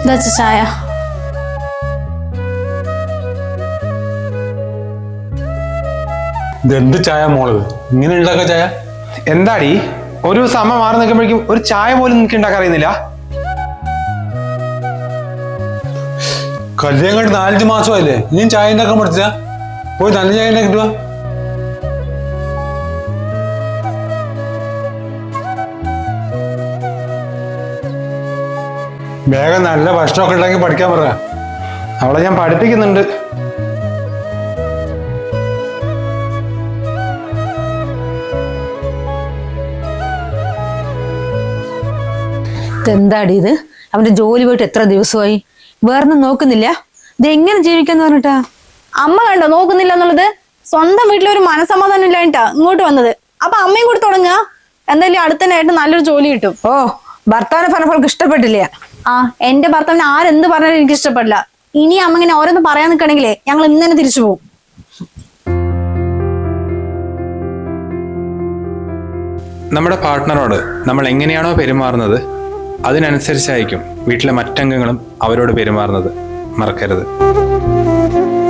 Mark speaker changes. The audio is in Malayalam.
Speaker 1: ചായ.
Speaker 2: ഇതെന്ത് ചായ മോള് ഇങ്ങനെ ഉണ്ടാക്ക ചായ?
Speaker 3: എന്താടി ഒരു ദിവസം അമ്മ മാറി നിൽക്കുമ്പോഴേക്കും ഒരു ചായ പോലും നിനക്ക് ഉണ്ടാക്കാൻ അറിയുന്നില്ല?
Speaker 2: കല്യാണം കണ്ട് 4 മാസമായില്ലേ, ഇനിയും ചായ ഉണ്ടാക്കാൻ പഠിച്ചാ? പോയി നല്ല ചായ ഉണ്ടാക്കിട്ട് വാ. വേഗം നല്ല ഭക്ഷണമൊക്കെ ഉണ്ടാക്കി പഠിക്കാൻ പറ.
Speaker 3: അവളെ ഞാൻ പഠിപ്പിക്കുന്നുണ്ട്.
Speaker 4: എന്താടി ഇത്? അവന്റെ ജോലി പോയിട്ട് എത്ര ദിവസമായി? വേറൊന്നും നോക്കുന്നില്ല? ഇത് എങ്ങനെ ജീവിക്കാന്ന് പറഞ്ഞിട്ടാ?
Speaker 1: അമ്മ കണ്ടോ നോക്കുന്നില്ല എന്നുള്ളത്? സ്വന്തം വീട്ടിലൊരു മനസമാധാനം ഇല്ലായിട്ടാ ഇങ്ങോട്ട് വന്നത്. അപ്പൊ അമ്മയും കൂടി തുടങ്ങുക. എന്തായാലും അടുത്തനായിട്ട് നല്ലൊരു ജോലി കിട്ടും.
Speaker 4: ഓ, ഭർത്താവിനെ പറഞ്ഞപ്പോൾ ഇഷ്ടപ്പെട്ടില്ല.
Speaker 1: ആ, എന്റെ ഭർത്താവിന് ആരെന്ത് പറഞ്ഞാലും എനിക്ക് ഇഷ്ടപ്പെടില്ല. ഇനി അമ്മ ഇങ്ങനെ ഓരോന്ന് പറയാൻ നിൽക്കണെങ്കിലേ ഞങ്ങൾ ഇന്ന് തന്നെ തിരിച്ചു പോകും.
Speaker 5: നമ്മുടെ പാർട്ട്ണറോട് നമ്മൾ എങ്ങനെയാണോ പെരുമാറുന്നത് അതിനനുസരിച്ചായിരിക്കും വീട്ടിലെ മറ്റംഗങ്ങളും അവരോട് പെരുമാറുന്നത്. മറക്കരുത്.